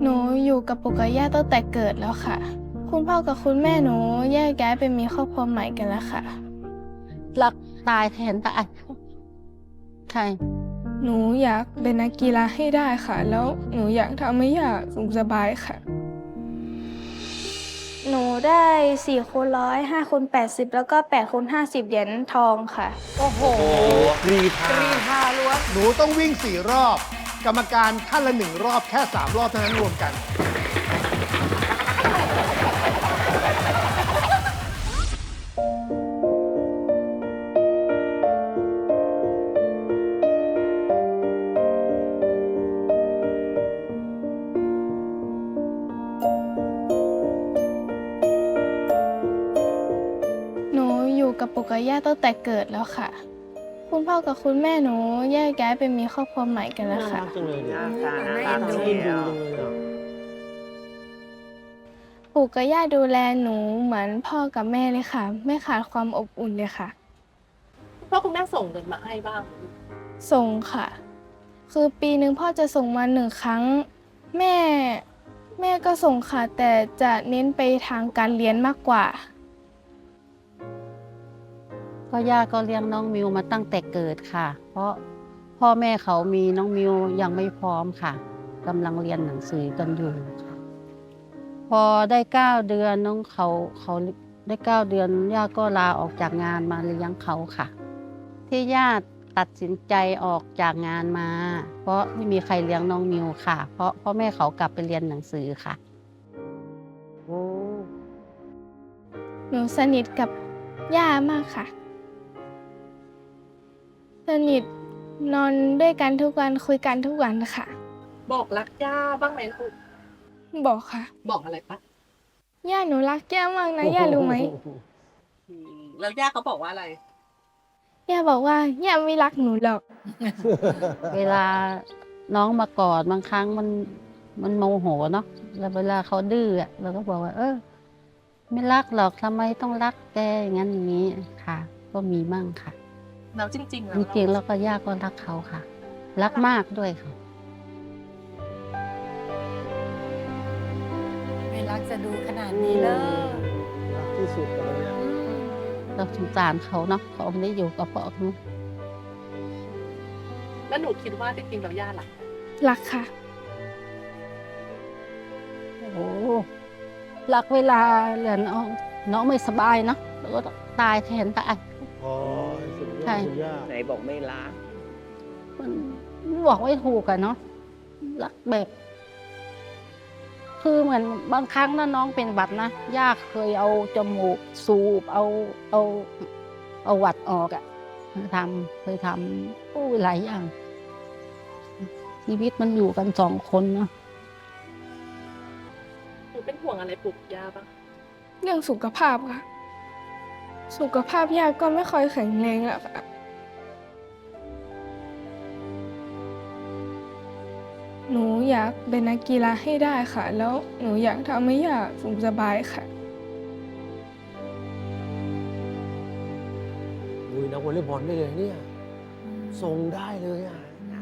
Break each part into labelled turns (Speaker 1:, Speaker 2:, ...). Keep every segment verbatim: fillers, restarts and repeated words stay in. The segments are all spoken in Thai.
Speaker 1: หนูอยู่กับปู่กับย่าตั้งแต่เกิดแล้วค่ะ คุณพ่อกับคุณแม่หนูแยกย้ายไปมีครอบครัวใหม่กันแล้วค่ะ
Speaker 2: รักตายแทนตายใช่
Speaker 1: หนูอยากเป็นนักกีฬาให้ได้ค่ะ แล้วหนูอยากทำให้ย่าสุขสบายค่ะ หนูได้สี่คูณร้อยห้าคูณแปดสิบแล้วก็แปดคูณห้าสิบเหรียญทองค่ะ
Speaker 3: โอ้โห
Speaker 4: กรีธาก
Speaker 3: รีธาล้วน
Speaker 4: หนูต้องวิ่งสี่รอบ กรรมการท่านละหนึ่งรอบแค่สามรอบเท่านั้นรวมกัน
Speaker 1: หนูอยู่กับปู่กับย่าตั้งแต่เกิดแล้วค่ะ คุณพ่อกับคุณแม่หนูแยกย้ายไปมีครอบครัวใหม่กันแล้วค่ะ
Speaker 5: จังเลยเนี่ย
Speaker 3: น่า
Speaker 5: น่า
Speaker 3: เอ็นดู
Speaker 5: เอ็นดูจังเลยอ่ะ
Speaker 1: ปู่กับย่าดูแลหนูเหมือนพ่อกับแม่เลยค่ะ ไม่ขาดความอบอุ่นเลยค่ะ
Speaker 6: คุณพ่อคุณแม่ส่งเงินมาให้บ้าง
Speaker 1: ส่งค่ะ คือปีหนึ่งพ่อจะส่งมาหนึ่งครั้ง แม่แม่ก็ส่งค่ะ แต่จะเน้นไปทางการเรียนมากกว่า
Speaker 2: ก็ย่าก็เลี้ยงน้องมิวมาตั้งแต่เกิดค่ะ เพราะพ่อแม่เขามีน้องมิวยังไม่พร้อมค่ะกำลังเรียนหนังสือกันอยู่ค่ะพอได้เก้าเดือนน้องเขาเขาได้เก้าเดือนย่าก็ลาออกจากงานมาเลี้ยงเขาค่ะ ที่ย่าตัดสินใจออกจากงานมา เพราะไม่มีใครเลี้ยงน้องมิวค่ะ เพราะพ่อแม่เขากลับไปเรียนหนังสือค่ะ
Speaker 5: โอ้
Speaker 1: หนูสนิทกับย่ามากค่ะ สนิทนอนด้วยกันทุกวันคุยกันทุกวันค่ะ
Speaker 6: บอกรักย่าบ้างไหมลูก
Speaker 1: บอกค่ะ
Speaker 6: บอกอะไรปะ
Speaker 1: ย่าหนูรักย่ามากนะย่ารู้ไหม
Speaker 6: อืมแล้วย่าเขาบอกว่าอะไร
Speaker 1: ย่าบอกว่าย่าไม่รักหนูหรอก
Speaker 2: เวลาน้องมากอดบางครั้งมันมันโมโหเนาะแล้วเวลาเขาดื้ออะเราก็บอกว่า เออ ไม่รักหรอกทำไมต้องรักแกอย่างนั้นอย่างนี้ค่ะ ก็มีมั่งค่ะ
Speaker 6: แล้วจริงๆ
Speaker 2: จ
Speaker 6: แล้ว
Speaker 2: ริงๆแล้วก็ย่าก็รักเขาค่ะ รักมากด้วยค่ะ
Speaker 3: ไม่รักจะดูขนาดนี้เลย
Speaker 5: รักที่สุดเลยเนี่ย
Speaker 2: เราสงสารเขาเนาะเขาไม่ได้อยู่กับพ่อเขา
Speaker 6: แล้วหนูคิดว่าจริงๆแล้วย่ารัก
Speaker 1: รักค่ะ
Speaker 2: โอ้รักเวลาเหลือน้องน้องไม่สบายเนาะแล้วก็ตายแทนตาย
Speaker 5: อ๋อสุดย
Speaker 2: ใช่
Speaker 5: อดคุณย่า
Speaker 7: ไหนบอกไม่รัก
Speaker 2: มันบอกไม่ถูกอะเนาะรักแบบ คือเหมือนบางครั้งนะน้องเป็นหวัดนะย่าเคยเอาจมูกสูบเอาเอาเอาหวัดออกอะทำเคยทำโอ้ยหลายอย่าง ชีวิตมันอยู่กันสองคนเนาะ
Speaker 6: หนูเป็นห่วงอะไรปลุกย่าบ้าง
Speaker 1: เรื่องสุขภาพค่ะ สุขภาพย่าก็ไม่ค่อยแข็งแรงอะค่ะ หนูอยากเป็นนักกีฬาให้ได้ค่ะ แล้วหนูอยากทำให้ย่าสุขสบายค่ะ
Speaker 5: อุ้ยนักวอลเลย์บอลได้เลยเนี่ยทรงได้เลยอ่ะ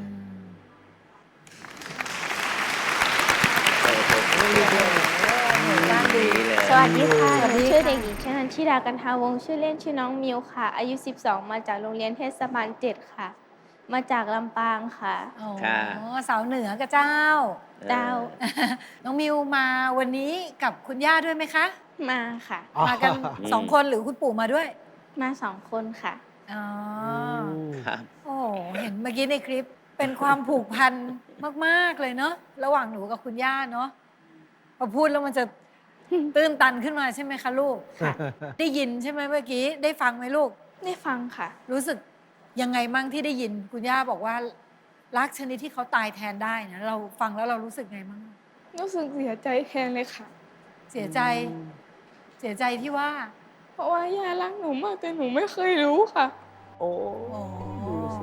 Speaker 3: ด้านดี
Speaker 7: เลย
Speaker 1: สวัสดีค่ะ
Speaker 3: สวัส
Speaker 1: ห
Speaker 3: ดี
Speaker 1: นู
Speaker 3: ค่ะ
Speaker 1: ชื่อเด็กหญิงชนันทิดากันทาวงศ์ชื่อเล่นชื่อน้องมิวค่ะ อายุสิบสองมาจากโรงเรียนเทศบาลเจ็ดค่ะ มาจากลำปางค่ะ
Speaker 3: อ๋อ
Speaker 7: ค่ะ
Speaker 3: สาวเหนือกับเจ้า
Speaker 1: ดาว
Speaker 3: น้องมิวมาวันนี้กับคุณย่าด้วยไหมคะ
Speaker 1: มาค่ะ
Speaker 3: มากันสองคนหรือคุณปู่มาด้วย
Speaker 1: มาสองคนค่ะ
Speaker 3: อ๋อ
Speaker 7: ครับ
Speaker 3: โอ้โหเห็นเมื่อกี้ในคลิปเป็นความผูกพันมาก ๆ เลยเนาะระหว่างหนูกับคุณย่าเนาะพอพูดแล้วมันจะตื้นตันขึ้นมาใช่ไหมคะลูก
Speaker 1: ค่ะ
Speaker 3: ได้ยินใช่ไหมเมื่อกี้ได้ฟังไหมลูก
Speaker 1: ได้ฟังค่ะ
Speaker 3: รู้สึกยังไงมั่งที่ได้ยินคุณย่าบอกว่ารักชนิดที่เขาตายแทนได้นะเราฟังแล้วเรารู้สึกไงมั่ง
Speaker 1: รู้สึกเสียใจแทนเลยค่ะ
Speaker 3: เสียใจ เสียใจที่ว่า
Speaker 1: เพราะว่าย่ารักหนูมากแต่หนูไม่เคยรู้ค่ะ
Speaker 5: โอ้
Speaker 3: โอ้
Speaker 5: ดูสิ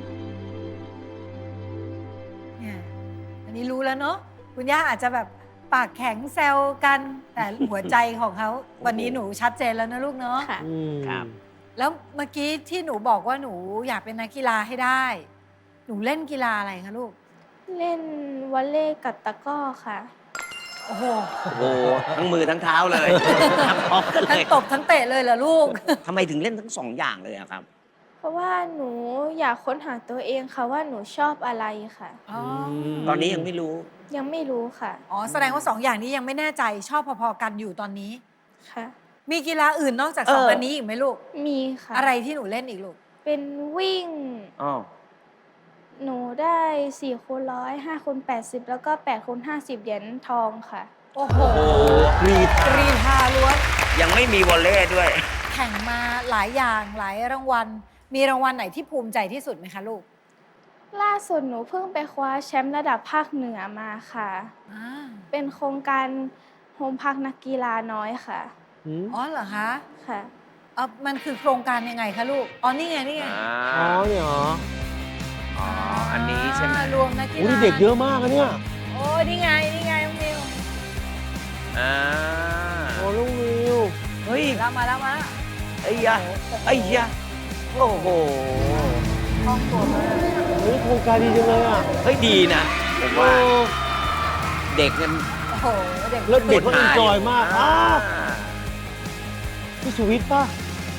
Speaker 3: เนี่ยอันนี้รู้แล้วเนาะคุณย่าอาจจะแบบปากแข็งแซวกัน แต่หัวใจของเขาวันนี้หนูชัดเจนแล้วนะลูกเนาะ
Speaker 1: ค่ะ
Speaker 5: อืม
Speaker 7: ครับ
Speaker 3: แล้วเมื่อกี้ที่หนูบอกว่าหนูอยากเป็นนักกีฬาให้ได้ หนูเล่นกีฬาอะไรคะลูก
Speaker 1: เล่นวอลเลย์กับตะกร้อค่ะ
Speaker 3: โอ้โห
Speaker 7: โอ้โห ทั้งมือทั้งเท้าเลยทั้งพร้อมกันเล
Speaker 3: ทั้ง
Speaker 7: ย
Speaker 3: ตบทั้งเตะเลยเหรอลูก
Speaker 7: ทำไมถึงเล่นทั้งสองอย่างเลยอะครับ
Speaker 1: เพราะว่าหนูอยากค้นหาตัวเองค่ะว่าหนูชอบอะไรค่ะ
Speaker 3: อ๋อ
Speaker 7: ตอนนี้ยังไม่รู้
Speaker 1: ยังไม่รู้ค่ะ
Speaker 3: อ๋อ แสดงว่าสองอย่างนี้ยังไม่แน่ใจชอบพอๆกันอยู่ตอนนี้
Speaker 1: ค่ะ
Speaker 3: มีกีฬาอื่นนอกจาก
Speaker 7: เออ
Speaker 3: สองอันนี้อีกไหมลูก
Speaker 1: มีค่ะ
Speaker 3: อะไรที่หนูเล่นอีกลูก
Speaker 1: เป็นวิ่ง
Speaker 7: อ๋อ
Speaker 1: หนูได้สี่คูณร้อยห้าคูณแปดสิบแล้วก็แปดคูณห้าสิบเหรียญทองค่ะ
Speaker 3: โอ้โห
Speaker 7: โอ้โห
Speaker 5: กรีด
Speaker 3: กรีธาล้วน
Speaker 7: ยังไม่มีวอลเล่ด้วย
Speaker 3: แข่งมาหลายอย่างหลายรางวัล มีรางวัลไหนที่ภูมิใจที่สุดไหมคะลูก
Speaker 1: ล่าสุดหนูเพิ่งไปคว้าแชมป์ระดับภาคเหนือมาค่ะ
Speaker 3: อ่า
Speaker 1: เป็นโครงการโฮมพักนักกีฬาน้อยค่ะ
Speaker 5: หืม
Speaker 3: อ๋อเหรอคะ
Speaker 1: ค่ะ
Speaker 3: เออมันคือโครงการยังไงคะลูก อ๋อ นี่ไง นี่ไง
Speaker 5: อ๋อเนี่ยเหรอ
Speaker 7: อ๋อ อันนี้ใช่ไหม
Speaker 3: อ่ารวมนักกี
Speaker 5: โอ้
Speaker 3: ฬา
Speaker 5: นี่เด็กเยอะมากอะเนี่ย
Speaker 3: โอ้นี่ไง นี่ไงน้องมิว
Speaker 7: อ่า
Speaker 5: โอ้ลูกวิว
Speaker 7: เฮ้ย
Speaker 3: แล้วมาแล้วมาแล้ว
Speaker 7: ไอ้ยะไอ้ยะโอ้โห
Speaker 3: คล่องตัวมาก
Speaker 5: เฮ้ยโครงการดีจังเลยอ่ะ
Speaker 7: เฮ้ย ดีนะ ผมว่า
Speaker 5: โอ้
Speaker 7: เด็กเนี่ย
Speaker 3: โอ้โห เด็ก
Speaker 5: แล้วเด็กก็เอนจอยมาก
Speaker 7: อ่า
Speaker 5: อ้าวพี่สุวิทย์ป่ะ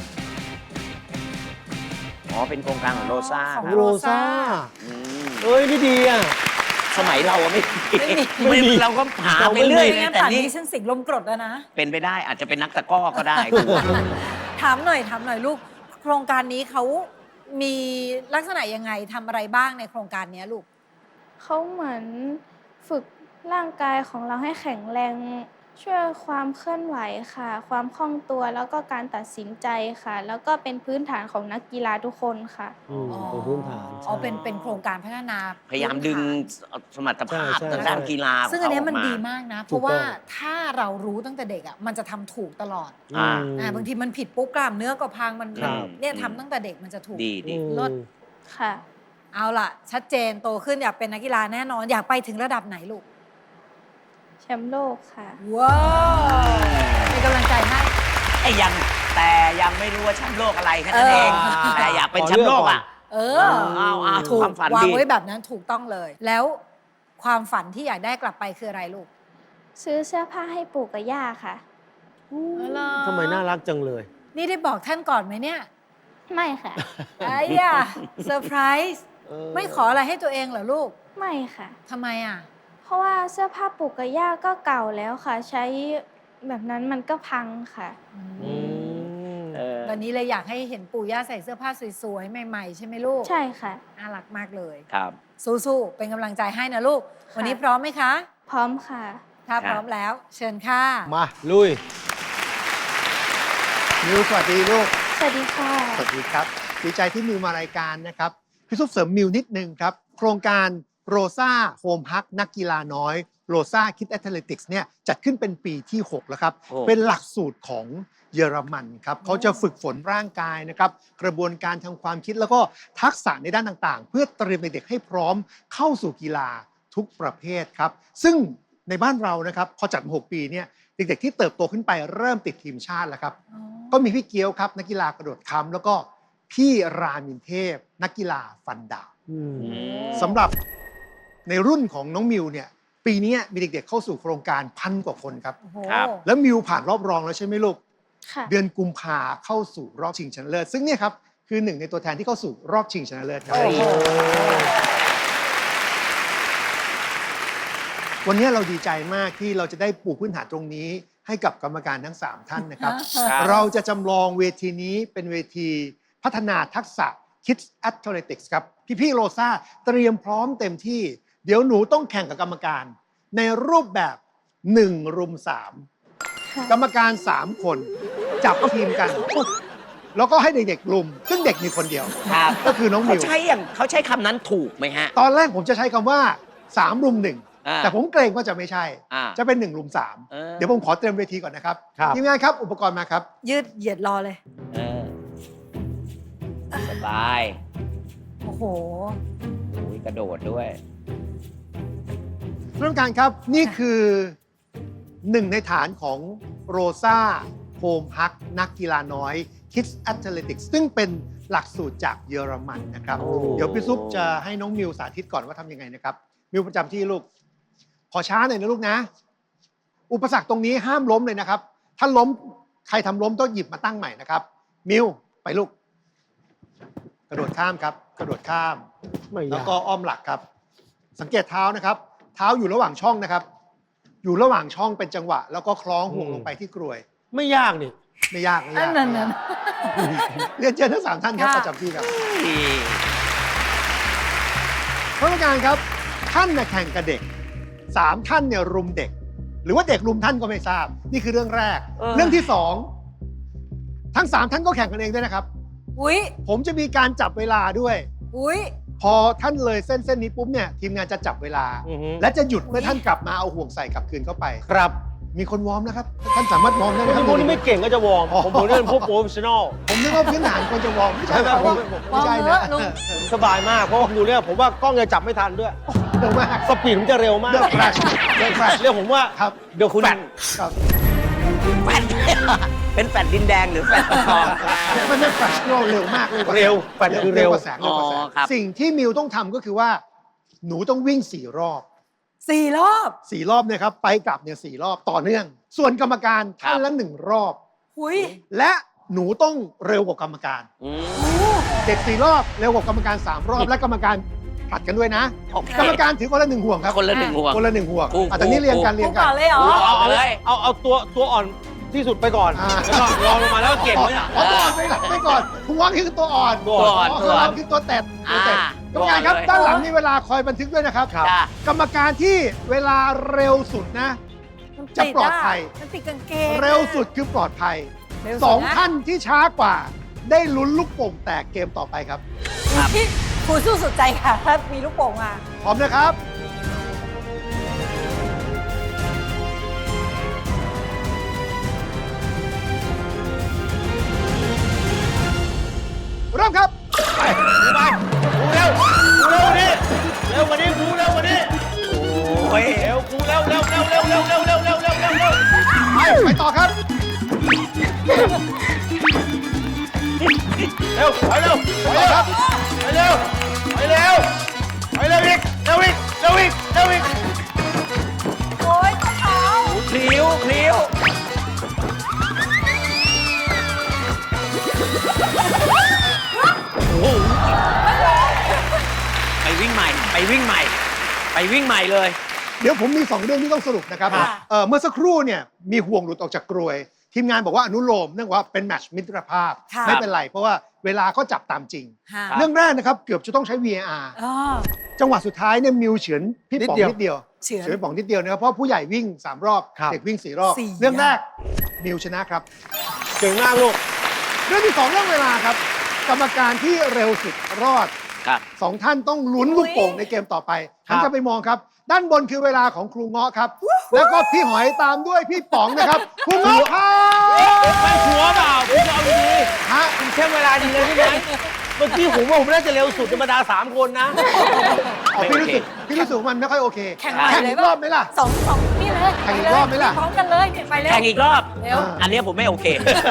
Speaker 7: อ๋อ เป็นโครงการของโรซ่า
Speaker 3: ของ
Speaker 7: ครับ
Speaker 5: โรซ่า
Speaker 7: อืม
Speaker 5: เอ้ย นี่ดีอ่ะ
Speaker 7: สมัยเราอะไม่
Speaker 5: ไม่มี
Speaker 7: เราก็หา
Speaker 5: เรา
Speaker 7: ไป
Speaker 5: ไม่มี
Speaker 7: เรื่อย
Speaker 3: ไม่งั้น
Speaker 7: แต่
Speaker 3: ป่าน
Speaker 7: นี่
Speaker 3: นี้ฉันสิงลมกรดแล้วนะ
Speaker 7: เป็นไปได้อาจจะเป็นนักตะกร้อก็ได้
Speaker 3: ถามหน่อย ถามหน่อยลูก โครงการนี้เขามีลักษณะยังไงทำอะไรบ้างในโครงการนี้ลูก
Speaker 1: เขาเหมือนฝึกร่างกายของเราให้แข็งแรง ช่วยความเคลื่อนไหวค่ะ ความคล่องตัวแล้วก็การตัดสินใจค่ะ แล้วก็เป็นพื้นฐานของนักกีฬาทุกคนค่ะ
Speaker 5: อืมเป็นพื้นฐาน
Speaker 3: อ๋อ เป็น เป็นโครงการพัฒนา
Speaker 7: พยายามดึงสมรรถภาพ
Speaker 5: ใช่ใช่
Speaker 7: ทางด้านกีฬาข
Speaker 3: ซึ่งอันเนี้ย
Speaker 7: เขา
Speaker 3: มัน
Speaker 7: กา
Speaker 3: ดีมากนะ เพ
Speaker 5: ถู
Speaker 3: ราะ
Speaker 5: กต้อง
Speaker 3: ว่าถ้าเรารู้ตั้งแต่เด็กอ่ะ มันจะทำถูกตลอด
Speaker 7: อ่า
Speaker 3: อ่า บางทีมันผิดปุ๊บกล้ามเนื้อก็พัง มัน
Speaker 5: ครับ
Speaker 3: เนี่ย
Speaker 7: อืม
Speaker 3: ทำตั้งแต่เด็กมันจะถูก
Speaker 7: ดีดี
Speaker 3: ลด
Speaker 1: ค่ะ
Speaker 3: เอาล่ะ ชัดเจน โตขึ้นอยากเป็นนักกีฬาแน่นอน อยากไปถึงระดับไหนลูก
Speaker 1: แชมป์โลกค่ะ
Speaker 3: ว้าวเป็นกำลังใจให้
Speaker 7: ไอ้ยังแต่ยังไม่รู้ว่าแชมป์โลกอะไรแค่นั้นเอง
Speaker 3: เออ
Speaker 7: แต่อยากเป็นแชมป์โลกอ่ะ
Speaker 3: เอ
Speaker 7: เอ
Speaker 3: อ
Speaker 7: อเอาเอา
Speaker 3: ถูก
Speaker 7: ความฝัน
Speaker 3: วาง
Speaker 7: ดี
Speaker 3: ไว้แบบนั้นถูกต้องเลย แล้วความฝันที่อยากได้กลับไปคืออะไรลูก
Speaker 1: ซื้อเสื้อผ้าให้ปู่กับย่าค่ะ
Speaker 5: ทำไมน่ารักจังเลย
Speaker 3: นี่ได้บอกท่านก่อนไหมเนี่ย
Speaker 1: ไม่ค่ะ
Speaker 3: ไอ้ยาเซอร์ไพรส์
Speaker 5: เออ
Speaker 3: ไม่ขออะไรให้ตัวเองเหรอลูก
Speaker 1: ไม่ค่ะ
Speaker 3: ทำไมอ่ะ
Speaker 1: เพราะว่าเสื้อผ้าปู่กับย่าก็เก่าแล้วค่ะ ใช้แบบนั้นมันก็พังค่ะ
Speaker 5: อืม
Speaker 7: เออ
Speaker 3: วันนี้เลยอยากให้เห็นปู่ย่าใส่เสื้อผ้าสวยๆ ใหม่ๆ ใช่ไหมลูก
Speaker 1: ใช่ค่ะ
Speaker 3: น่ารักมากเลย
Speaker 7: ครับ
Speaker 3: สู้ๆ เป็นกำลังใจให้นะลูก
Speaker 1: ค่ะ
Speaker 3: วันนี้พร้อมไหมคะ
Speaker 1: พร้อมค่ะ
Speaker 3: ถ้าพร้อมแล้ว เชิญค่ะ
Speaker 5: มา ลุย
Speaker 4: มิวสวัสดีลูก
Speaker 1: สวัสดีค่ะ
Speaker 4: สวัสดีครับ ดีใจที่มิวมารายการนะครับ พี่ซุปเสริมมิวนิดนึงครับ โครงการโรซ่าโฮมฮักนักกีฬาน้อยโรซ่าคิดแอตเลติกส์เนี่ยจัดขึ้นเป็นปีที่ หก แล้วครับ
Speaker 7: โอ้
Speaker 4: เป็นหลักสูตรของเยอรมันครับเขาจะฝึกฝนร่างกายนะครับ กระบวนการทางความคิดแล้วก็ทักษะในด้านต่างๆ เพื่อเตรียมเด็กๆให้พร้อมเข้าสู่กีฬาทุกประเภทครับ ซึ่งในบ้านเรานะครับพอจัดมาหกปีเนี่ยเด็กๆที่เติบโตขึ้นไปเริ่มติดทีมชาติแล้วครับ ก็มีพี่เกียวครับนักกีฬากระโดดค้ำแล้วก็พี่รามินเทพ นักกีฬาฟันดาบ
Speaker 5: อืม
Speaker 4: สำหรับในรุ่นของน้องมิวเนี่ยปีนี้มีเด็กๆเข้าสู่โครงการพันกว่าคนครับ
Speaker 3: โอ้โห
Speaker 7: ครับ
Speaker 4: แล้วมิวผ่านรอบรองแล้วใช่ไหมลูก
Speaker 1: ค่ะ
Speaker 4: เดือนกุมภาเข้าสู่รอบชิงชนะเลิศซึ่งเนี่ยครับคือหนึ่งในตัวแทนที่เข้าสู่รอบชิงชนะเลิศครับ
Speaker 3: โอ้โห
Speaker 4: วันนี้เราดีใจมากที่เราจะได้ปูพื้นฐานตรงนี้ให้กับกรรมการทั้งสามท่านนะครับ
Speaker 7: ครับ
Speaker 4: เราจะจำลองเวทีนี้เป็นเวทีพัฒนาทักษะ Kids Athletics ครับ พี่ๆโรซ่าเตรียมพร้อมเต็มที่ เดี๋ยวหนูต้องแข่งกับกรรมการ ในรูปแบบหนึ่งรุมสาม
Speaker 1: ค่ะ
Speaker 4: กรรมการสามคน จับทีมกัน แล้วก็ให้เด็กๆรุม ซึ่งเด็กมีคนเดียว
Speaker 7: ครับ
Speaker 4: ก็คือน้อง
Speaker 7: เขา
Speaker 4: มิว
Speaker 7: ใช้อย่างเขาใช้คำนั้นถูกไหมฮะ
Speaker 4: ตอนแรกผมจะใช้คำว่าสามรุมหนึ่ง
Speaker 7: อ่า
Speaker 4: แต่ผมเกรงว่าจะไม่ใช่
Speaker 7: อ่า
Speaker 4: จะเป็นหนึ่งรุมสาม
Speaker 7: เออ
Speaker 4: เดี๋ยวผมขอเตรียมเวทีก่อนนะครับ
Speaker 5: ครับ
Speaker 4: ทีมงานครับอุปกรณ์มาครับ
Speaker 3: ยืดเหยียดรอเลย
Speaker 7: เออสบาย
Speaker 3: โอ้โห
Speaker 7: โอ้ยกระโดดด้วย
Speaker 4: ท่านผู้การครับนี่คือหนึ่งในฐานของโรซาโฮมฮักนักกีฬาน้อย Kids Athletics ซึ่งเป็นหลักสูตรจากเยอรมันนะครับ
Speaker 5: โอ้
Speaker 4: เดี๋ยวพี่ซุปจะให้น้องมิวสาธิตก่อนว่าทำยังไงนะครับ มิวประจำที่ลูก ขอช้าหน่อยนะลูกนะ อุปสรรคตรงนี้ห้ามล้มเลยนะครับ ถ้าล้มใครทำล้มต้องหยิบมาตั้งใหม่นะครับ มิวไปลูก กระโดดข้ามครับ กระโดดข้าม
Speaker 5: ไม่
Speaker 4: แล้ว
Speaker 5: ยาก
Speaker 4: ก็อ้อมหลักครับ สังเกตเท้านะครับ เท้าอยู่ระหว่างช่องนะครับ อยู่ระหว่างช่องเป็นจังหวะ แล้วก็คล้องห่วงลงไปที่กรวย
Speaker 5: ไม่ยากนี่
Speaker 4: ไม่ยากไม่
Speaker 3: อั
Speaker 4: ยาน ก
Speaker 3: นั้นนั้น
Speaker 4: เรียนเชิญทั้งสามท่านครับ
Speaker 3: ค่ะ
Speaker 4: ประจำที่ครับท่านผู้การครับ ท่านน่ะแข่งกับเด็กสามท่านเนี่ยรุมเด็ก หรือว่าเด็กรุมท่านก็ไม่ทราบ นี่คือเรื่องแรก
Speaker 7: เออ
Speaker 4: เรื่องที่สองทั้งสามท่านก็แข่งกันเองด้วยนะครับ
Speaker 3: อุ้ย
Speaker 4: ผมจะมีการจับเวลาด้วย
Speaker 3: อุ้ย
Speaker 4: พอท่านเลยเส้นเส้นนี้ปุ๊บเนี่ยทีมงานจะจับเวลา
Speaker 5: อือฮึ
Speaker 4: และจะหยุดเมื่อท่านกลับมาเอาห่วงใส่กลับคืนเข้าไป
Speaker 5: ครับ
Speaker 4: มีคนวอร์มนะครับ ท่านสามารถวอร์มได้นะค
Speaker 5: ถ้า
Speaker 4: รับ
Speaker 5: พวกนี้ไม่เก่งก็จะวอร์ม
Speaker 4: อ๋อ
Speaker 5: ผมผมนี่เป็นพวกโปรเฟชชั่นอล
Speaker 4: ผมนึกว่าพื้นฐานควรจะวอร์มไม่ใช่นะ
Speaker 5: ใช่ไหม
Speaker 4: ผมไม่ใช่นะ
Speaker 3: วอร์มเถอะลุง
Speaker 5: สบายมาก เพราะว่าดูเนี่ยผมว่ากล้องจะจับไม่ทันด้วย
Speaker 4: เร็วมาก
Speaker 5: สปีดผมจะเร็วมาก
Speaker 4: เดือดแฟลชเดือดแฟลช
Speaker 5: เรียกผมว่า
Speaker 4: ครับ
Speaker 5: เดี๋ยวคุณ
Speaker 4: ครับ
Speaker 7: แฟด เป็นแฟดดินแดงหรือแฟดทอง
Speaker 4: มันไม่แฟลชเร็วมากเลยกว่า
Speaker 5: เร็วแฟดคือเร็ว
Speaker 4: กว่าแสงเร็วกว่าแส
Speaker 7: อ๋
Speaker 4: ง
Speaker 7: อครับ
Speaker 4: สิ่งที่มิวต้องทำก็คือว่า หนูต้องวิ่งสี่รอบ
Speaker 3: สี่รอบ
Speaker 4: สี่รอบเนี่ยครับไปกลับเนี่ยสี่รอบต่อเนื่อง ส่วนกรรมการท่านละหนึ่งรอบ
Speaker 3: อุ้ย
Speaker 4: และหนูต้องเร็วกว่ากรรมการ
Speaker 7: อืม
Speaker 4: เด็กสี่รอบเร็วกว่ากรรมการสามรอบ และกรรมการผลัดกันด้วยนะ
Speaker 7: โอเค
Speaker 4: กรรมการถือคนละหนึ่งห่วงครับ
Speaker 7: คนละหนึ่งห่วง
Speaker 4: คนละหนึ่งห่วง
Speaker 7: ถูก
Speaker 4: อ่ะแต่นี่เรียงกัน
Speaker 7: ถูก
Speaker 4: เรีย
Speaker 3: กู
Speaker 4: งกั
Speaker 3: ก่อน นเลยเหรอ
Speaker 7: เอาเอาเลย
Speaker 5: เอาเอาตัวตัวอ่อนที่สุดไปก่อน
Speaker 4: อ่า
Speaker 5: แล้วก็รองลงมาแล้วก็เก่งไว้อะ
Speaker 4: เอาตัวอ่อนไปหลังไปก่อนหัวคือตัวอ่อน
Speaker 5: ตัวอ่อน
Speaker 4: อ๋อตัวอ่อนคือตัวแตดตัวแตด
Speaker 7: อ่าก
Speaker 4: รรมการครับ
Speaker 7: ตัวอ่อนเลย
Speaker 4: ด้านหลังมีเวลาคอยบันทึกด้วยนะครับ
Speaker 7: จ้ะ
Speaker 4: กรรมการที่เวลาเร็วสุดนะ
Speaker 3: มัน
Speaker 4: จะปลอดภัย
Speaker 3: มันติดกางเกง
Speaker 4: เร็วสุดคือปลอดภัย
Speaker 3: เร็ว
Speaker 4: ส
Speaker 3: สุ
Speaker 4: อ
Speaker 3: ด
Speaker 4: ง
Speaker 3: นะ
Speaker 4: ท่านที่ช้ากว่า ได้ลุ้นลูกโป่งแตกเกมต่อไปครับ
Speaker 3: พี่ครูสู้สุดใจค่ะ ถ้ามีลูกโป่งมา
Speaker 4: พร้อมนะครับ เริ่มครับ
Speaker 5: ไปดูไปดูเร็วดูเร็วกว่านี้เร็วกว่านี้ดูเร็วกว่านี้
Speaker 7: โอ้ย
Speaker 5: เร็วกูเร็วเร็วเร็วเร็วเร็วเร็วเร็วเร็วเร็วเร็วเร็ว
Speaker 4: ไปไปต่อครับ
Speaker 5: เร็วไปเร็วไปเร็วครับไปเร็วไปเร็วไปเร็วอีกเร็วอีกเร็วอีกเร็วอีก
Speaker 3: โอ้ยเท้า
Speaker 7: พลิ้วพลิ้วโอ้โหไปวิ่งใหม่ ไปวิ่งใหม่ ไปวิ่งใหม่เลย
Speaker 4: เดี๋ยวผมมีสองเรื่องที่ต้องสรุปนะครับ
Speaker 3: ค่ะ
Speaker 4: เอ่อเมื่อสักครู่เนี่ยมีห่วงหลุดออกจากกรวย ทีมงานบอกว่าอนุโลมเนื่องว่าเป็นแมตช์มิตรภาพ
Speaker 3: ค่ะ
Speaker 4: ไม่เป็นไร เพราะว่าเวลาก็จับตามจริง
Speaker 3: ค่ะ
Speaker 4: เรื่องแรกนะครับ เกือบจะต้องใช้ วี เอ อาร์
Speaker 3: อ๋อ
Speaker 4: จังหวะสุดท้ายเนี่ยมิวเฉือนพี่ป๋องนิดเดียว
Speaker 3: เฉือน
Speaker 4: เฉือนป๋องนิดเดียวนะครับเพราะผู้ใหญ่วิ่งสามรอบ
Speaker 5: ครับ
Speaker 4: เด็กวิ่งสี่รอบ
Speaker 3: สี่
Speaker 4: เรื่องแรกมิวชนะครับ
Speaker 5: เก่งมากลูก
Speaker 4: เรื่องที่สองเรื่องเวลาครับ กรรมการที่เร็วสุดรอด
Speaker 7: ครับ
Speaker 4: สองท่านต้องลุ้นลูกโป่งในเกมต่อไป
Speaker 5: ครั
Speaker 4: ท่าน
Speaker 5: บ
Speaker 4: จะไปมองครับ ด้านบนคือเวลาของครูเงาะครับ แล้วก็พี่หอยตามด้วยพี่ป๋องนะครับครูเงาะครับ
Speaker 5: ไปหัวเปล่าคุณจะเอาดี
Speaker 4: ฮะ
Speaker 5: ๆคุณเช็คเวลาดีเลยใช่ไหมเมื่อกี้ผมว่าผมน่าจะเร็วสุดในบรรดาสามคนนะ
Speaker 4: อ๋อพี่รู้สึกพี่รู้สึกว่ามันไม่ค่อยโอเค
Speaker 3: แข่งใหม่
Speaker 4: แข่ง
Speaker 3: เลย
Speaker 4: อีกรอบไหมล่ะ
Speaker 3: สองสองนี่เลย
Speaker 4: แข่งอีกรอบไหมล่ะ
Speaker 3: พร้อมกันเลยเนี่ยไปเร็ว
Speaker 7: แข่งอีกรอบ
Speaker 3: เร็ว
Speaker 7: อันเนี้ยผมไม่โอเค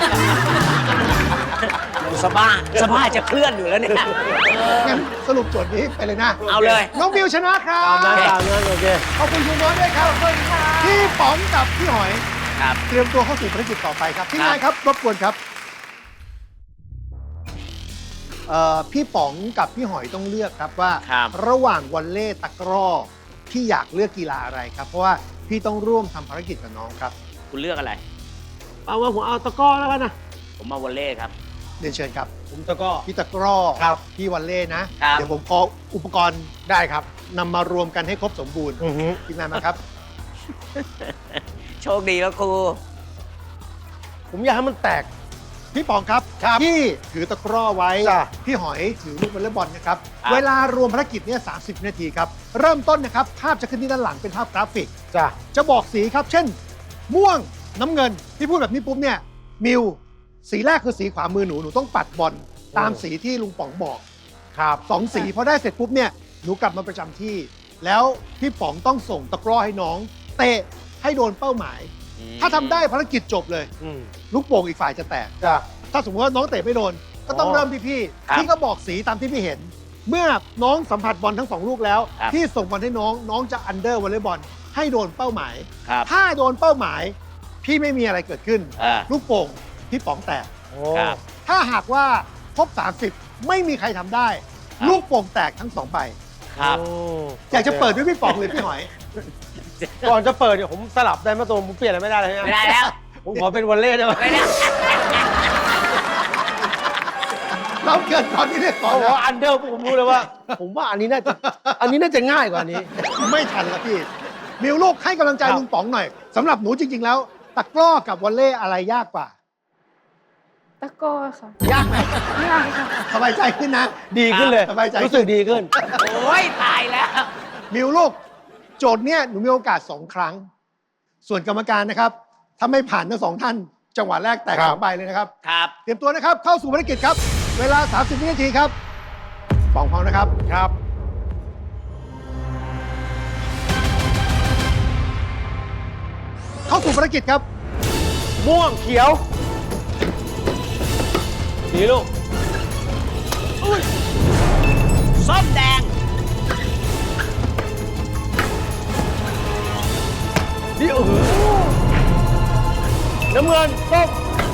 Speaker 7: สบ้าสบ้าจะเคลื่อนอยู่แล้วเนี่ย
Speaker 4: งั้นสรุปโจทย์นี้ไปเลยนะ
Speaker 7: เอาเลย
Speaker 4: น้องมิวชนะครั
Speaker 5: ตามนั้น
Speaker 4: บ
Speaker 5: ตามนั้นโอเค
Speaker 4: ขอบคุณครูเงาะด้วยครับ
Speaker 3: ขอบคุณค่ะ
Speaker 4: พี่ป๋องกับพี่หอย
Speaker 7: ครับ
Speaker 4: เตรียมตัวเข้าสู่ภารกิจต่อไปครับ ที่งานครับรบกวนครับเอ่อพี่ป๋องกับพี่หอยต้องเลือกครับว่า
Speaker 7: ครับ
Speaker 4: ระหว่างวอลเล่ตะกร้อพี่อยากเลือกกีฬาอะไรครับ เพราะว่าพี่ต้องร่วมทำภารกิจกับน้องครับ
Speaker 7: คุณเลือกอะไร
Speaker 5: เอาว่าผมเอาตะกร้อแล้วกันนะ
Speaker 7: ผมมาวอลเล่ครับ
Speaker 4: เรียนเชิญครับ
Speaker 5: ผมตะกร้อ
Speaker 4: พี่ตะกร้อ
Speaker 5: ครับ
Speaker 4: พี่วอลเล่นะครับ เดี๋ยวผมขออุปกรณ์ได้ครับนำมารวมกันให้ครบสมบูรณ์
Speaker 5: อือฮึ
Speaker 4: ทีมงานมาครับ
Speaker 7: โชคดีครับครู
Speaker 5: ผมอยากให้มันแตก
Speaker 4: พี่ป๋องครับพี่ถือตะกร้อไว้
Speaker 5: จ้ะ
Speaker 4: พี่หอยถือลูกวอลเลย์บอลนะครับ
Speaker 7: ครับ
Speaker 4: เวลารวมภารกิจเนี่ยสามสิบนาทีครับ เริ่มต้นนะครับ ภาพจะขึ้นที่ด้านหลังเป็นภาพกราฟิก
Speaker 5: จ้ะ
Speaker 4: จะบอกสีครับ เช่น ม่วงน้ำเงินที่พูดแบบนี้ปุ๊บเนี่ยมิวสีแรกคือสีขวามือหนูหนูต้องปัดบอลตามสีที่ลุงป๋องบอก
Speaker 5: ครับ
Speaker 4: สองสีพอได้เสร็จปุ๊บเนี่ยหนูกลับมาประจำที่ แล้วพี่ป๋องต้องส่งตะกร้อให้น้อง เตะให้โดนเป้าหมายถ้าทำได้ภารกิจจบเลย
Speaker 5: อืม
Speaker 4: ลูกโป่งอีกฝ่ายจะแตก
Speaker 5: จ้ะ
Speaker 4: ถ้าสมมติว่าน้องเตะไม่โดน ก็ต้อง
Speaker 5: อ๋อ
Speaker 4: เริ่มที่พี่
Speaker 7: ครับ
Speaker 4: พี่ก็บอกสีตามที่พี่เห็น เมื่อน้องสัมผัสบอลทั้งสองลูกแล้ว
Speaker 7: ครับ
Speaker 4: พี่ส่งบอลให้น้องน้องจะอันเดอร์วอลเลย์บอลให้โดนเป้าหมาย
Speaker 7: ครับ
Speaker 4: ถ้าโดนเป้าหมาย พี่ไม่มีอะไรเกิดขึ้น
Speaker 7: อ่า
Speaker 4: ลูกโป่งพี่ป๋องแตก
Speaker 5: โอ้
Speaker 7: ครับ
Speaker 4: ถ้าหากว่าครบสามสิบไม่มีใครทำได้
Speaker 7: ครับ
Speaker 4: ลูกโป่งแตกทั้งสองใบ
Speaker 7: ครับ
Speaker 5: โ
Speaker 4: อยากจะเปิดด้วยพี่ป๋องหรือพี่หอย
Speaker 5: ก่อนจะเปิดเนี่ยผมสลับได้ไหมตัวผมเปลี่ยนอะไรไม่ได้เลย
Speaker 7: ไม่ได้แล้ว
Speaker 5: ผมขอเป็นวอลเล่ได้ไหม
Speaker 7: ไม่ได้
Speaker 4: เราเกิดก่อนที่เรียกก่อน
Speaker 5: เขาบอก
Speaker 4: นะ
Speaker 5: ว่าอันเดอร์ผมรู้เลยว่า ผมว่าอันนี้น่าจะอันนี้น่าจะง่ายกว่านี้
Speaker 4: ไม่ทันแล้วพี่ มิวลูกให้กำลังใจ
Speaker 5: ครับ
Speaker 4: ลุงป๋องหน่อยสำหรับหนูจริง ๆ แล้ว ตะกร้อกับวอลเล่อะไรยากกว่า
Speaker 1: ตะกร้อค่ะ
Speaker 4: ยากไหม
Speaker 1: ยากค่ะ
Speaker 4: สบายใจขึ้นนะ
Speaker 5: ดีขึ้นเลย
Speaker 4: สบายใจ
Speaker 5: รู้สึกดีขึ้น
Speaker 7: โอ้ยตายแล้ว
Speaker 4: มิวลูก โจทย์เนี่ยหนูมีโอกาสสองครั้ง ส่วนกรรมการนะครับ ถ้าไม่ผ่านทั้งสองท่าน จังหวะแรกแตก
Speaker 5: ครับ
Speaker 4: สองใบเลยนะครับ
Speaker 7: ครับ
Speaker 4: เตรียมตัวนะครับ เข้าสู่ภารกิจครับ เวลา สามสิบ วินาทีครับป๋องพร้อมนะครับ
Speaker 5: ครับ
Speaker 4: เข้าสู่ภารกิจครับ
Speaker 5: ม่วงเขียวสีลูก
Speaker 7: ส้มแดง
Speaker 5: นี่เออน้ำเงินส้ม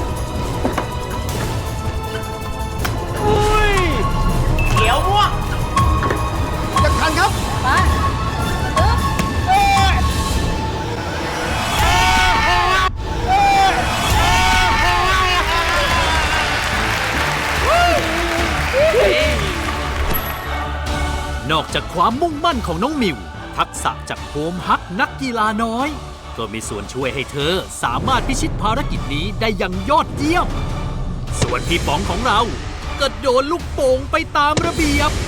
Speaker 5: อุ้ย
Speaker 7: เขียวม่วง
Speaker 4: ยังทันครับ
Speaker 8: นอกจากความมุ่งมั่นของน้องมิว ทักษะจากโฮมฮักนักกีฬาน้อย ก็มีส่วนช่วยให้เธอสามารถพิชิตภารกิจนี้ได้อย่างยอดเยี่ยม ส่วนพี่ป๋องของเราก็โดนลูกโป่งไปตามระเบียบ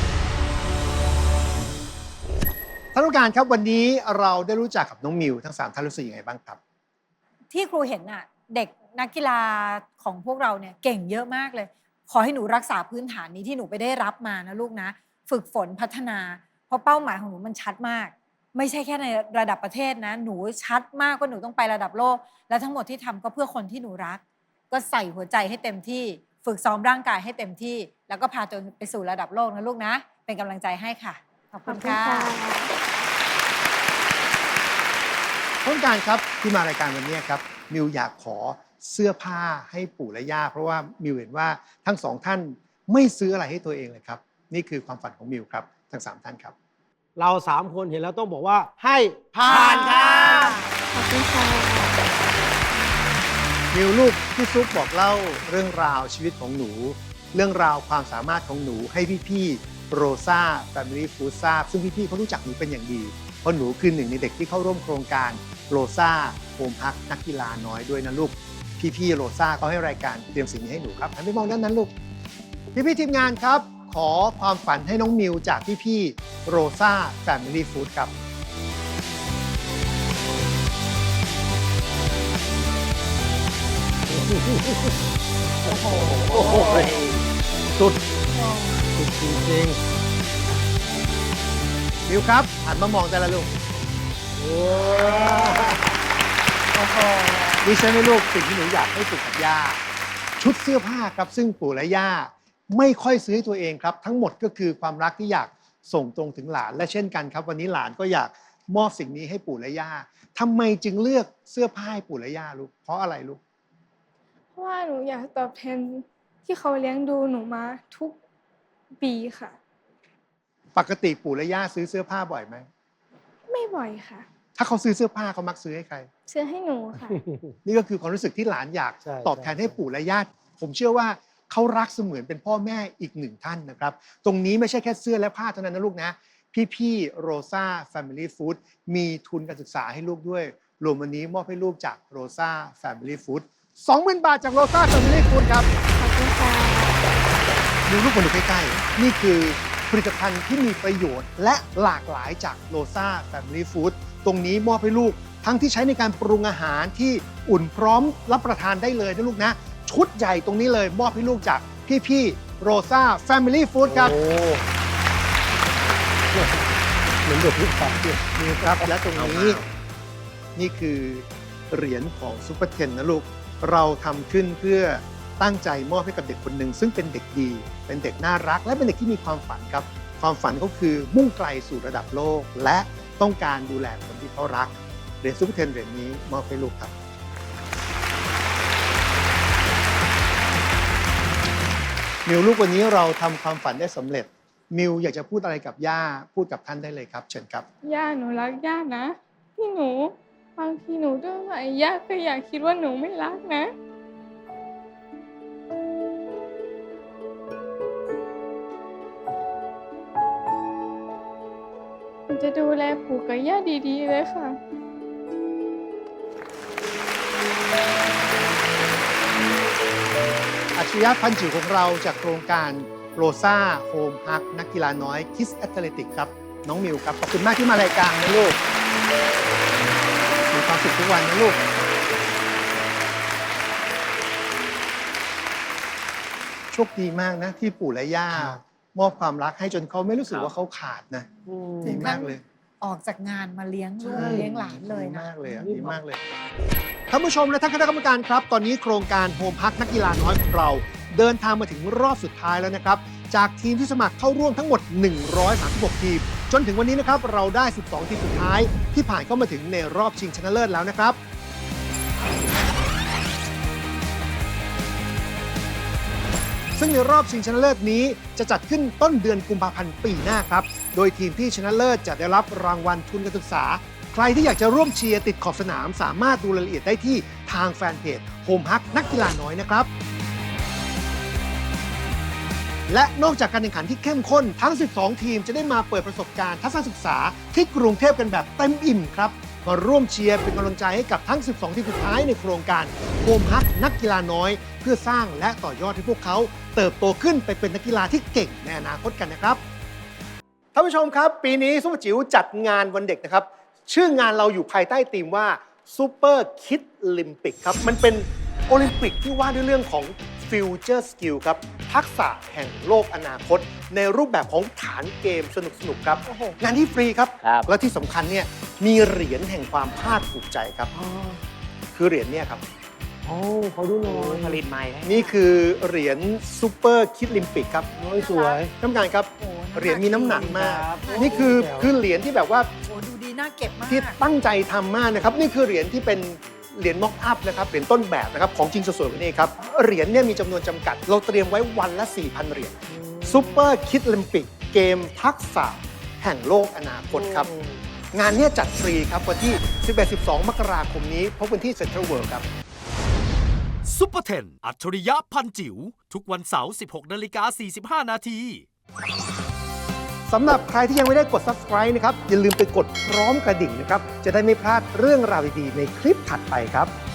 Speaker 4: ท่านผู้การครับวันนี้เราได้รู้จักกับน้องมิวทั้งสามท่านรู้สึกยังไงบ้างครับ
Speaker 3: ที่ครูเห็นน่ะเด็กนักกีฬาของพวกเราเนี่ยเก่งเยอะมากเลย ขอให้หนูรักษาพื้นฐานนี้ที่หนูไปได้รับมานะลูกนะ ฝึกฝนพัฒนา เพราะเป้าหมายของหนูมันชัดมาก ไม่ใช่แค่ในระดับประเทศนะ หนูชัดมากว่าหนูต้องไประดับโลก และทั้งหมดที่ทำก็เพื่อคนที่หนูรัก ก็ใส่หัวใจให้เต็มที่ ฝึกซ้อมร่างกายให้เต็มที่ แล้วก็พาตัวไปสู่ระดับโลกนะลูกนะ เป็นกำลังใจให้ค่ะ ขอบ
Speaker 1: ข
Speaker 3: คุ
Speaker 1: อบ
Speaker 3: ณ
Speaker 1: คุณ
Speaker 3: ค่ะ
Speaker 1: ค่ะ
Speaker 4: ท่านผู้การครับที่มารายการวันนี้ครับมิวอยากขอเสื้อผ้าให้ปู่และย่าเพราะว่ามิวเห็นว่าทั้งสองท่านไม่ซื้ออะไรให้ตัวเองเลยครับ นี่คือความฝันของมิวครับทั้งสามท่านครับ
Speaker 5: เราสามคนเห็นแล้วต้องบอกว่าให้ผ่า
Speaker 7: ผ่าน นค่ะ
Speaker 1: ขอบคุณค่ะ
Speaker 4: มิวลูกพี่ซุปบอกเล่าเรื่องราวชีวิตของหนู เรื่องราวความสามารถของหนูให้พี่ๆโรซ่าแฟมิลี่ฟู้ดทราบซึ่งพี่ๆเขารู้จักหนูเป็นอย่างดีเพราะหนูคือหนึ่งในเด็กที่เข้าร่วมโครงการโรซ่าโฮมฮักนักกีฬาน้อยด้วยนะลูกพี่ๆโรซ่าเขาให้รายการเตรียมสิ่งนี้ให้หนูครับหันไปมองด้านนั้นลูกพี่ๆทีมงานครับ ขอความฝันให้น้องมิวจากพี่ๆโรซ่าแฟมิลี่ฟู้ดครับ
Speaker 5: โอ้โหสุดสุดจริง
Speaker 4: มิวครับหันมามองแต่ละลูก
Speaker 5: ๆโอ้
Speaker 3: โอ้โห
Speaker 4: ดิฉันให้ลูกสิ่งที่หนูอยากให้ปู่กับย่าชุดเสื้อผ้าครับซึ่งปู่และย่าไม่ค่อยซื้อให้ตัวเองครับ ทั้งหมดก็คือความรักที่อยากส่งตรงถึงหลานและเช่นกันครับ วันนี้หลานก็อยากมอบสิ่งนี้ให้ปู่และย่าทำไมจึงเลือกเสื้อผ้าให้ปู่และย่าลูกเพราะอะไรลูก
Speaker 1: เพราะว่าหนูอยากตอบแทนที่เขาเลี้ยงดูหนูมาทุกปีค่ะ
Speaker 4: ปกติปู่และย่าซื้อเสื้อผ้าบ่อยไหม
Speaker 1: ไม่บ่อยค่ะ
Speaker 4: ถ้าเขาซื้อเสื้อผ้าเขามักซื้อให้ใคร
Speaker 1: ซื้อให้หนูค่ะ
Speaker 4: นี่ก็คือความรู้สึกที่หลานอยาก
Speaker 5: ใช่
Speaker 4: ตอบแทนให้ปู่และย่าผมเชื่อว่าเขารักเสมือนเป็นพ่อแม่อีกหนึ่งท่านนะครับ ตรงนี้ไม่ใช่แค่เสื้อและผ้าเท่านั้นนะลูกนะ พี่ๆโรซ่าแฟมิลี่ฟู้ดมีทุนการศึกษาให้ลูกด้วย รวมวันนี้มอบให้ลูกจากโรซ่าแฟมิลี่ฟู้ดสองหมื่นบาทจากโรซ่าแฟมิลี่ฟู้ดครับ
Speaker 1: ขอบคุณค่ะ
Speaker 4: ดูรูปมาดูใกล้ๆ นี่คือผลิตภัณฑ์ที่มีประโยชน์และหลากหลายจากโรซ่าแฟมิลี่ฟู้ดตรงนี้มอบให้ลูกทั้งที่ใช้ในการปรุงอาหารที่อุ่นพร้อมรับประทานได้เลยนะลูกนะ ชุดใหญ่ตรงนี้เลยมอบให้ลูกจากพี่ๆโรซ่าแฟมิลี่ฟู้ดครับ
Speaker 5: โอ้เหมือนเด็กลูกสาวเนี่ย
Speaker 4: นี่ครับและตรงนี้นี่คือเหรียญของซุปเปอร์เทนนะลูกเราทำขึ้นเพื่อตั้งใจมอบให้กับเด็กคนหนึ่งซึ่งเป็นเด็กดีเป็นเด็กน่ารักและเป็นเด็กที่มีความฝันครับความฝันก็คือมุ่งไกลสู่ระดับโลกและต้องการดูแลคนที่เขารักเหรียญซุปเปอร์เทนเหรียญนี้มอบให้ลูกครับมิวลูกวันนี้เราทำความฝันได้สำเร็จมิวอยากจะพูดอะไรกับย่าพูดกับท่านได้เลยครับเชิญครับ
Speaker 1: ย่าหนูรักย่านะที่หนูบางทีหนูดื้อไปย่าก็อยากคิดว่าหนูไม่รักนะหนูจะดูแลปู่กับย่าดีๆเลยค่ะ
Speaker 4: อัจฉริยะพันจิ๋วของเราจากโครงการโรซ่าโฮมฮักนักกีฬาน้อยคิสแอตเลติกครับน้องมิวครับขอบคุณมากที่มารายการนะลูกมีความสุขทุกวันนะลูกโชคดีมากนะที่ปู่และย่ามอบความรักให้จนเขาไม่รู้สึกว่าเขาขาดนะดีมากเลย
Speaker 3: ออกจากงานมาเลี้ยงลูกเลี้ยงหลานเลย
Speaker 4: ดี
Speaker 3: นะ
Speaker 4: มากเลยอะดีมากเลยท่านผู้ชมและท่านคณะกรรมการครับตอนนี้โครงการโฮมฮักนักกีฬาน้อยของเราเดินทางมาถึงรอบสุดท้ายแล้วนะครับจากทีมที่สมัครเข้าร่วมทั้งหมดหนึ่งร้อยสามสิบหกทีมจนถึงวันนี้นะครับเราได้สิบสองทีมสุดท้ายที่ผ่านเข้ามาถึงในรอบชิงชนะเลิศแล้วนะครับซึ่งในรอบชิงชนะเลิศนี้จะจัดขึ้นต้นเดือนกุมภาพันธ์ปีหน้าครับโดยทีมที่ชนะเลิศจะได้รับรางวัลทุนการศึกษาใครที่อยากจะร่วมเชียร์ติดขอบสนามสามารถดูรายละเอียดได้ที่ทางแฟนเพจโฮมฮักนักกีฬาน้อยนะครับและนอกจากการแข่งขันที่เข้มข้นทั้งสิบสองทีมจะได้มาเปิดประสบการณ์ทัศนศึกษาที่กรุงเทพกันแบบเต็มอิ่มครับมาร่วมเชียร์เป็นกำลังใจให้กับทั้งสิบสองทีมสุดท้ายในโครงการโฮมฮักนักกีฬาน้อยเพื่อสร้างและต่อยอดให้พวกเขาเติบโตขึ้นไปเป็นนักกีฬาที่เก่งในอนาคตกันนะครับท่านผู้ชมครับปีนี้ซุปเปอร์จิ๋วจัดงานวันเด็กนะครับชื่องานเราอยู่ภายใต้ธีมว่าซูเปอร์คิดลิมปิกครับมันเป็นโอลิมปิกที่ว่าด้วยเรื่องของฟิวเจอร์สกิลครับทักษะแห่งโลกอนาคตในรูปแบบของฐานเกมสนุกๆครับงานที่ฟรีครับและที่สำคัญเนี่ยมีเหรียญแห่งความภาคภูมิใจครับคือเหรียญเนี่ยครับโอ้เขาดูหน่อยผลิตใหม่นี่คือเหรียญซูเปอร์คิดลิมปิกครับสวยท่านผู้การครับเหรียญมีน้ำหนักมากนี่คือคือเหรียญที่แบบว่า
Speaker 3: โอ้ดูดีน่าเก็บมาก
Speaker 4: ที่ตั้งใจทำมากนะครับนี่คือเหรียญที่เป็นเหรียญม็อกอัพนะครับเหรียญต้นแบบนะครับของจริงสวยๆแบบนี้ครับเหรียญเนี่ยมีจำนวนจำกัดเราเตรียมไว้วันละ สี่พัน เหรียญซูเปอร์คิดลิมปิกเกมทักษะแห่งโลกอนาคตครับงานนี้จัดฟรีครับวันที่ สิบเอ็ด สิบสอง มกราคมนี้พบกันที่เซ็นทรัลเวิลด์ครับ
Speaker 8: ซุปเปอร์เทนอัจฉริยะพันจิ๋วทุกวันเสาร์ สิบหกนาฬิกาสี่สิบห้า นาที
Speaker 4: สำหรับใครที่ยังไม่ได้กด ซับสไครบ์ นะครับอย่าลืมไปกดพร้อมกระดิ่งนะครับจะได้ไม่พลาดเรื่องราวดีๆในคลิปถัดไปครับ